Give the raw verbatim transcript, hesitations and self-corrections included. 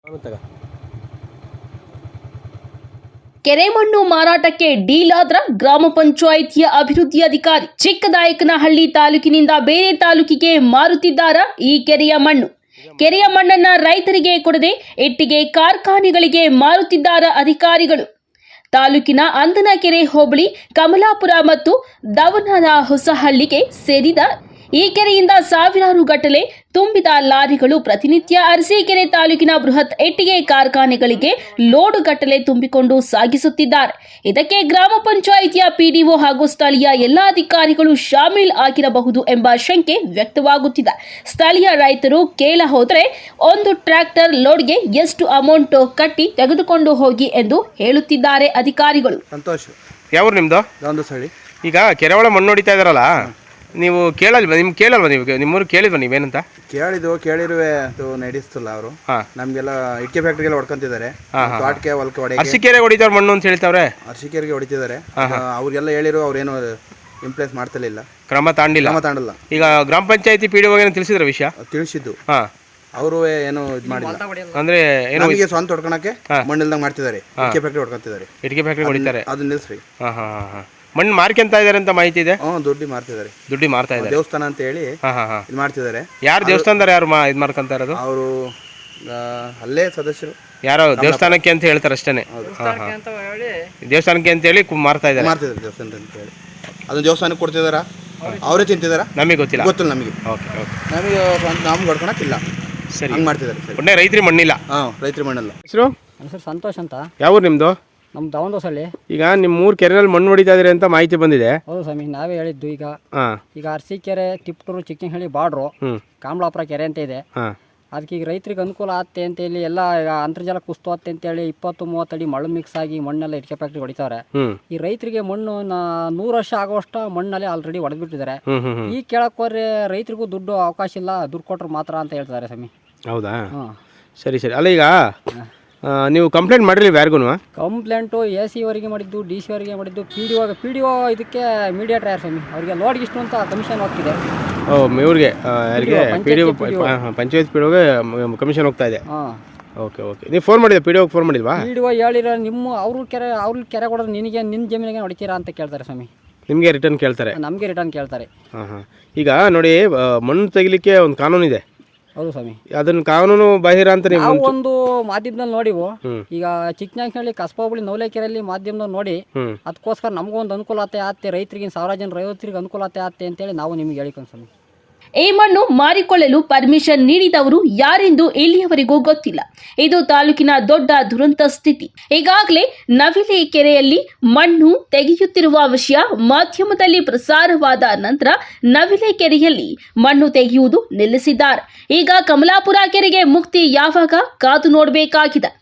ಕೆರೆ ಮಣ್ಣು ಮಾರಾಟಕ್ಕೆ ಡೀಲ್ ಆದ್ರ ಗ್ರಾಮ ಪಂಚಾಯಿತಿಯ ಅಭಿವೃದ್ಧಿ ಅಧಿಕಾರಿ. ಚಿಕ್ಕನಾಯಕನಹಳ್ಳಿ ತಾಲೂಕಿನಿಂದ ಬೇರೆ ತಾಲೂಕಿಗೆ ಮಾರುತ್ತಿದ್ದಾರ ಈ ಕೆರೆಯ ಮಣ್ಣು. ಕೆರೆಯ ಮಣ್ಣನ್ನ ರೈತರಿಗೆ ಕೊಡದೆ ಇಟ್ಟಿಗೆ ಕಾರ್ಖಾನೆಗಳಿಗೆ ಮಾರುತ್ತಿದ್ದಾರ ಅಧಿಕಾರಿಗಳು. ತಾಲೂಕಿನ ಅಂದನಕೆರೆ ಹೋಬಳಿ ಕಮಲಾಪುರ ಮತ್ತು ದವನದ ಹೊಸಹಳ್ಳಿಗೆ ಸೇರಿದ ಈ ಕೆರೆಯಿಂದ ಸಾವಿರಾರು ಗಟ್ಟಲೆ ತುಂಬಿದ ಲಾರಿಗಳು ಪ್ರತಿನಿತ್ಯ ಅರಸೀಕೆರೆ ತಾಲೂಕಿನ ಬೃಹತ್ ಇಟ್ಟಿಗೆ ಕಾರ್ಖಾನೆಗಳಿಗೆ ಲೋಡು ಗಟ್ಟಲೆ ತುಂಬಿಕೊಂಡು ಸಾಗಿಸುತ್ತಿದ್ದಾರೆ. ಇದಕ್ಕೆ ಗ್ರಾಮ ಪಂಚಾಯಿತಿಯ ಪಿಡಿಒ ಹಾಗೂ ಸ್ಥಳೀಯ ಎಲ್ಲ ಅಧಿಕಾರಿಗಳು ಶಾಮೀಲ್ ಆಗಿರಬಹುದು ಎಂಬ ಶಂಕೆ ವ್ಯಕ್ತವಾಗುತ್ತಿದೆ. ಸ್ಥಳೀಯ ರೈತರು ಕೇಳ ಹೋದರೆ ಒಂದು ಟ್ರ್ಯಾಕ್ಟರ್ ಲೋಡ್ಗೆ ಎಷ್ಟು ಅಮೌಂಟ್ ಕಟ್ಟಿ ತೆಗೆದುಕೊಂಡು ಹೋಗಿ ಎಂದು ಹೇಳುತ್ತಿದ್ದಾರೆ ಅಧಿಕಾರಿಗಳು. ಸಂತೋಷ್, ಯಾವ ನಿಮ್ದು? ಈಗ ಕೆರೆ ಒಳ ಮಣ್ಣು ಹೊಡಿತಾ ಇದಾರಲ್ಲ, ನೀವು ಕೇಳಲ್ವ? ನಿಮ್ಗೆ ಕೇಳಲ್ವ? ನೀವು ನಿಮ್ಮೂರು ಕೇಳಿಲ್ವ ನೀವೇನಂತ? ಕೇಳಿದ್ವು, ಕೇಳಿರುವೆ ಅದು ನಡೆಸ್ತಿಲ್ಲ ಅವರು. ನಮ್ಗೆಲ್ಲ ಇಟ್ಕೆ ಫ್ಯಾಕ್ಟ್ರಿಗೆಲ್ಲ ಹೊಡ್ಕೊಂತಿದ್ದಾರೆ. ತೋಟಕ್ಕೆ ಹೊಲಕ್ಕೆ ಹೊಡೆ ಅರಸೀಕೆರೆ ಹೊಡಿತಾರ ಮಣ್ಣು ಅಂತ ಹೇಳ್ತಾವ್ರೆ. ಅರಸೀಕೆರೆಗೆ ಹೊಡಿತಿದ್ದಾರೆ. ಅವ್ರಿಗೆಲ್ಲ ಹೇಳಿರು, ಅವ್ರೇನು ಇಂಪ್ಲೇಸ್ ಮಾಡ್ತಿರ್ಲಿಲ್ಲ, ಕ್ರಮ ತಾಂಡಿಲ್ಲ ಕ್ರಮ ತಾಂಡಲ್ಲ. ಈಗ ಗ್ರಾಮ ಪಂಚಾಯತಿ ಪಿ ಡಿ ಒ ತಿಳಿಸಿದ್ರ ವಿಷಯ? ತಿಳಿಸಿದ್ದು. ಹಾ, ಅವರು ಏನು ಇದು ಮಾಡಿಲ್ಲ. ಅಂದ್ರೆ ನಮಗೆ ಸ್ವಂತ ಹೊಡ್ಕೊಳಕ್ಕೆ ಮಣ್ಣಿಲ್ದಂಗೆ ಮಾಡ್ತಿದ್ದಾರೆ. ಇಟ್ಕೆ ಫ್ಯಾಕ್ಟ್ರಿ ಹೊಡ್ಕೊಂತಿದ್ದಾರೆ. ಇಟ್ಕೆ ಫ್ಯಾಕ್ಟ್ರಿ ಹೊಡಿತಾರೆ. ಅದನ್ನ ನಿಲ್ಸ್ರಿ. ಹಾ ಹಾ ಹಾ ಮಣ್ಣು ಮಾರ್ಕೊಂತ ಇದಾರೆ ಅಂತ ಮಾಹಿತಿ ಇದೆ. ಹ್ಮ್, ದುಡ್ಡಿ ಮಾರ್ತಿದ್ದಾರೆ. ದುಡ್ಡಿ ಮಾರ್ತಾ ಇದ್ದಾರೆ. ದೇವಸ್ಥಾನ ಅಂತ ಹೇಳಿ ಇದು ಮಾಡ್ತಿದ್ದಾರೆ. ಯಾರು ದೇವಸ್ಥಾನದಾರ? ಯಾರು ಇದು ಮಾರ್ಕೊಂತ ಇರೋದು? ಅವರು ಅಲ್ಲೇ ಸದಸ್ಯರು. ಯಾರೋ ದೇವಸ್ಥಾನಕ್ಕೆ ಅಂತ ಹೇಳ್ತಾರೆ ಅಷ್ಟೇನೆ. ದೇವಸ್ಥಾನಕ್ಕೆ ಅಂತ ಹೇಳಿ ಮಾರ್ತಾ ಇದ್ದಾರೆ. ಮಾರ್ತಿದ್ದಾರೆ ದೇವಸ್ಥಾನ ಅಂತ ಹೇಳಿ. ಅದನ್ನ ದೇವಸ್ಥಾನಕ್ಕೆ ಕೊಡ್ತಿದಾರ, ಅವರೇ ತಿಂತಿದಾರ, ನಮಗೆ ಗೊತ್ತಿಲ್ಲ. ಗೊತ್ತಿಲ್ಲ ನಮಗೆ. Okay okay. ನಮಗೆ ನಮ್ಗೆ ಹೊಡ್ಕೊಳಕ್ಕಿಲ್ಲ. ಸರಿ, ಹಂಗೆ ಮಾಡ್ತಿದ್ದಾರೆ. ಒಳ್ಳೆ ರೈತರಿ ಮಣ್ಣಿಲ್ಲ. ಹಾಂ, ರೈತರಿ ಮಣ್ಣಲ್ಲ. ಹೆಸರು? ಸರ್ ಸಂತೋಷ್ ಅಂತ. ಯಾವ ನಿಮ್ಮದು? ನಮ್ಮ ದವನದೊಸಳ್ಳಿ. ಈಗ ನಿಮ್ಮ ಮೂರು ಕೆರೆಯಲ್ಲಿ ಮಣ್ಣು ಹೊಡಿತಾ ಇದ್ರಿ ಅಂತ ಮಾಹಿತಿ ಬಂದಿದೆ. ಹೌದು ಸ್ವಾಮಿ, ನಾವೇ ಹೇಳಿದ್ದು. ಈಗ ಹಾಂ, ಈಗ ಅರಸೀಕೆರೆ, ತಿಪ್ಟೂರು, ಚಿಕ್ಕನಹಳ್ಳಿ ಬಾರ್ಡ್ರು, ಕಮಲಾಪುರ ಕೆರೆ ಅಂತ ಇದೆ. ಹಾಂ, ಅದಕ್ಕೆ ಈಗ ರೈತರಿಗೆ ಅನುಕೂಲ ಆಗುತ್ತೆ ಅಂತೇಳಿ ಎಲ್ಲ ಈಗ ಅಂತರ್ಜಲ ಕುಸ್ತುತ್ತೆ ಅಂತೇಳಿ ಇಪ್ಪತ್ತು ಮೂವತ್ತಡಿ ಮಣ್ಣು ಮಿಕ್ಸ್ ಆಗಿ ಮಣ್ಣೆಲ್ಲ ಇಟ್ಕೆ ಫ್ಯಾಕ್ಟ್ರಿ ಹೊಡಿತಾರೆ. ಈ ರೈತರಿಗೆ ಮಣ್ಣು ನೂರು ವರ್ಷ ಆಗುವಷ್ಟು ಮಣ್ಣಲ್ಲಿ ಆಲ್ರೆಡಿ ಹೊಡೆದ್ಬಿಟ್ಟಿದ್ದಾರೆ. ಈಗ ಕೇಳಕ್ಕೆ ಹೋದ್ರೆ ರೈತರಿಗೂ ದುಡ್ಡು ಅವಕಾಶ ಇಲ್ಲ, ದುಡ್ಡು ಕೊಟ್ಟರು ಮಾತ್ರ ಅಂತ ಹೇಳ್ತಾರೆ ಸ್ವಾಮಿ. ಹೌದಾ? ಸರಿ ಸರಿ. ಅಲ್ಲ, ಈಗ ನೀವು ಕಂಪ್ಲೇಂಟ್ ಮಾಡಿರಲಿಲ್ಲ ಯಾರಿಗೂ? ಕಂಪ್ಲೇಂಟು ಎ ಸಿ ಅವರಿಗೆ ಮಾಡಿದ್ದು, ಡಿ ಸಿ ಅವರಿಗೆ ಮಾಡಿದ್ದು, P D O P D O ಇದಕ್ಕೆ ಮೀಡಿಯೇಟರ್ ಯಾರು ಸ್ವಾಮಿ, ಅವರಿಗೆ ಲೋಡ್ಗೆ ಇಷ್ಟು ಅಂತ ಕಮಿಷನ್ ಹೋಗ್ತಿದೆ. ಓ, ಇವ್ರಿಗೆ ಯಾರಿಗೆ? P D O, panchayat P D ಒಗೆ ಕಮಿಷನ್ ಹೋಗ್ತಾ ಇದೆ. ಹಾಂ, ಓಕೆ ಓಕೆ. ನೀವು ಫೋನ್ ಮಾಡಿದ್ದೆ? ಪಿ ಡಿ ಒಗೆ ಫೋನ್ ಮಾಡಿದ್ವಾ? ಪಿ ಡಿ ಒ ಹೇಳಿರೋ ನಿಮ್ಮ ಅವ್ರ ಕೆರೆ ಅವ್ರ ಕೆರೆ ಕೊಡೋದು ನಿನಗೆ ನಿನ್ನ ಜಮೀನಿಗೆ ಹೊಡಿತೀರಾ ಅಂತ ಕೇಳ್ತಾರೆ ಸ್ವಾಮಿ. ನಿಮಗೆ ರಿಟರ್ನ್ ಕೇಳ್ತಾರೆ? ನಮಗೆ ರಿಟರ್ನ್ ಕೇಳ್ತಾರೆ. ಹಾಂ ಹಾಂ. ಈಗ ನೋಡಿ, ಮಣ್ಣು ತೆಗಿಲಿಕ್ಕೆ ಒಂದು ಕಾನೂನಿದೆ. ಹೌದು ಸ್ವಾಮಿ, ಅದನ್ನ ಕಾನೂನು ಬಾಹಿರ ಅಂತ ನೀವು ಒಂದು ಮಾಧ್ಯಮದಲ್ಲಿ ನೋಡಿವು. ಈಗ ಚಿಕ್ಕನಾಯಕನಹಳ್ಳಿ ಕಸಬಾ ಹೋಬಳಿ ನವಲೇಕೆರೆಯಲ್ಲಿ ಮಾಧ್ಯಮದಲ್ಲಿ ನೋಡಿ, ಅದಕ್ಕೋಸ್ಕರ ನಮಗೊಂದು ಅನುಕೂಲತೆ ಆಗುತ್ತೆ, ರೈತರಿಗೆ ಸಾವಿರಾರು ಜನ ರೈತರಿಗೆ ಅನುಕೂಲತೆ ಆಗುತ್ತೆ ಅಂತೇಳಿ ನಾವು ನಿಮ್ಗೆ ಹೇಳಿಕೊಂಡು ಸ್ವಾಮಿ. ಈ ಮಣ್ಣು ಮಾರಿಕೊಳ್ಳಲು ಪರ್ಮಿಷನ್ ನೀಡಿದವರು ಯಾರೆಂದು ಇಲ್ಲಿಯವರೆಗೂ ಗೊತ್ತಿಲ್ಲ. ಇದು ತಾಲೂಕಿನ ದೊಡ್ಡ ದುರಂತ ಸ್ಥಿತಿ. ಈಗಾಗಲೇ ನವಿಲೆ ಕೆರೆಯಲ್ಲಿ ಮಣ್ಣು ತೆಗೆಯುತ್ತಿರುವ ವಿಷಯ ಮಾಧ್ಯಮದಲ್ಲಿ ಪ್ರಸಾರವಾದ ನಂತರ ನವಿಲೆ ಕೆರೆಯಲ್ಲಿ ಮಣ್ಣು ತೆಗೆಯುವುದು ನಿಲ್ಲಿಸಿದ್ದಾರೆ. ಈಗ ಕಮಲಾಪುರ ಕೆರೆಗೆ ಮುಕ್ತಿ ಯಾವಾಗ ಕಾದು ನೋಡಬೇಕಾಗಿದೆ.